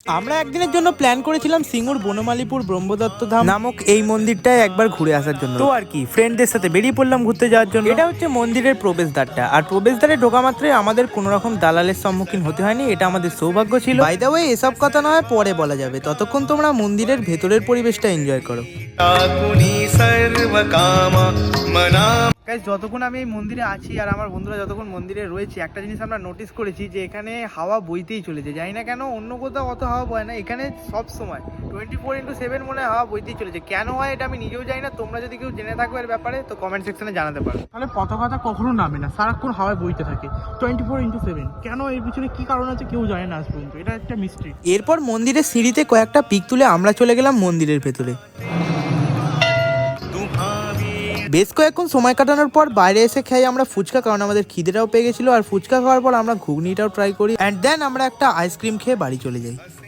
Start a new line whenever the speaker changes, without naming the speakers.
আমরা একদিনের জন্য প্ল্যান করেছিলাম সিঙ্গুর বনমালীপুর ব্রহ্মদত্ত ধাম নামক এই মন্দিরটায় একবার ঘুরে আসার জন্য। তো আর কি ফ্রেন্ডদের সাথে বেরিয়ে পড়লাম ঘুরতে যাওয়ার জন্য। এটা হচ্ছে মন্দিরের প্রবেশদ্বারটা, আর প্রবেশদ্বারে ঢোকা মাত্রই আমাদের কোনো রকম দালালের সম্মুখীন হতে হয়নি, এটা আমাদের সৌভাগ্য ছিল। বাই দ্য ওয়ে, এসব কথা নয় পরে বলা যাবে, ততক্ষণ তোমরা মন্দিরের ভেতরের পরিবেশটা এনজয় করো। যতক্ষণ আমি এই মন্দিরে আছি আর আমার বন্ধুরা যতক্ষণ মন্দিরে রয়েছে, একটা জিনিস আমরা নোটিস করেছি যে এখানে হাওয়া বইতেই চলেছে। জানি না কেন, অন্য কোথাও অত হাওয়া বয় না, এখানে সব সময় 24/7 মনে হয় হাওয়া বইতেই চলেছে। কেন হয় এটা আমি নিজেও জানি না, তোমরা যদি কেউ জেনে থাকো এর ব্যাপারে তো কমেন্ট সেকশনে জানাতে পারো।
তাহলে পতাকাটা কখনো নামে না, সারাক্ষণ হাওয়ায় বইতে থাকে 24/7। কেন, এর পিছনে কি কারণ আছে কেউ জানে না আজ পর্যন্ত, এটা একটা মিস্ট্রি।
এরপর মন্দিরের সিঁড়িতে কয়েকটা পিক তুলে আমরা চলে গেলাম মন্দিরের ভেতরে। বেশ কয়েকক্ষণ সময় কাটানোর পর বাইরে এসে খাই আমরা ফুচকা, কারণ আমাদের খিদেটাও পেয়ে গেছিলো। আর ফুচকা খাওয়ার পর আমরা ঘুগনিটাও ট্রাই করি, অ্যান্ড দেন আমরা একটা আইসক্রিম খেয়ে বাড়ি চলে যাই।